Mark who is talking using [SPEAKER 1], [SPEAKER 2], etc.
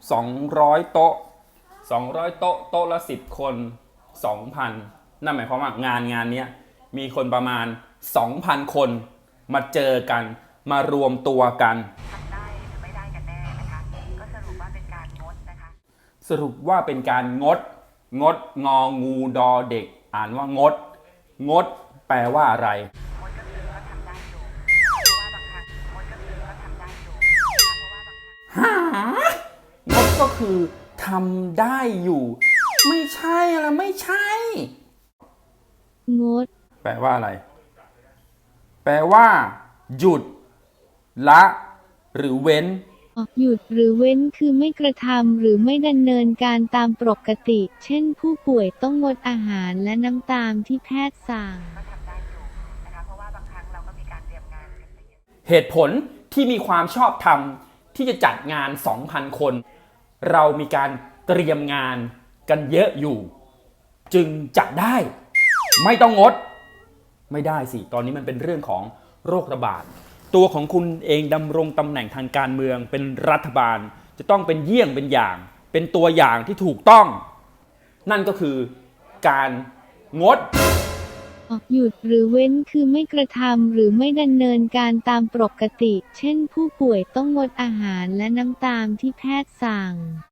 [SPEAKER 1] 200 โต๊ะ200 โต๊ะโต๊ะละ10 คน 2,000นั่นหมายความว่างานนี้มีคนประมาณ 2,000 คนมาเจอกันมารวมตัวกัน
[SPEAKER 2] ทำได้หรือไม่ได้กันแน่นะคะก็สรุปว่าเป็นการงดนะคะ
[SPEAKER 1] สรุปว่าเป็นการงดงองูดอเด็กอ่านว่างดแปลว่าอะไร
[SPEAKER 2] งดก็คือก็ทำได้อยู่เพราะว่าบางครั้งงดก็คือก็ทำได้อยู่นะคะเพราะว่าบางครั้ง
[SPEAKER 1] งดก็คือทำได้อยู่ไม่ใช่ละไม่ใช่
[SPEAKER 3] งด
[SPEAKER 1] แปลว่าอะไรแปลว่าหยุดละหรือเว้น
[SPEAKER 3] หยุดหรือเว้นคือไม่กระทำหรือไม่ดำเนินการตามปกติเช่นผู้ป่วยต้องงดอาหารและน้ำตามที่แพทย์สั่ง
[SPEAKER 2] ก็ทำได้อยู่นะคะเพราะว่าบางครั้งเราก็มีการเตรียมงานกันไปเยอะ
[SPEAKER 1] เหตุผลที่มีความชอบธรรมที่จะจัดงาน 2,000 คนเรามีการเตรียมงานกันเยอะอยู่จึงจัดได้ไม่ต้องงดไม่ได้สิตอนนี้มันเป็นเรื่องของโรคระบาดตัวของคุณเองดำรงตำแหน่งทางการเมืองเป็นรัฐบาลจะต้องเป็นเยี่ยงเป็นอย่างเป็นตัวอย่างที่ถูกต้องนั่นก็คือการงด
[SPEAKER 3] หยุดหรือเว้นคือไม่กระทำหรือไม่ดำเนินการตามปกติเช่นผู้ป่วยต้องงดอาหารและน้ำตามที่แพทย์สั่ง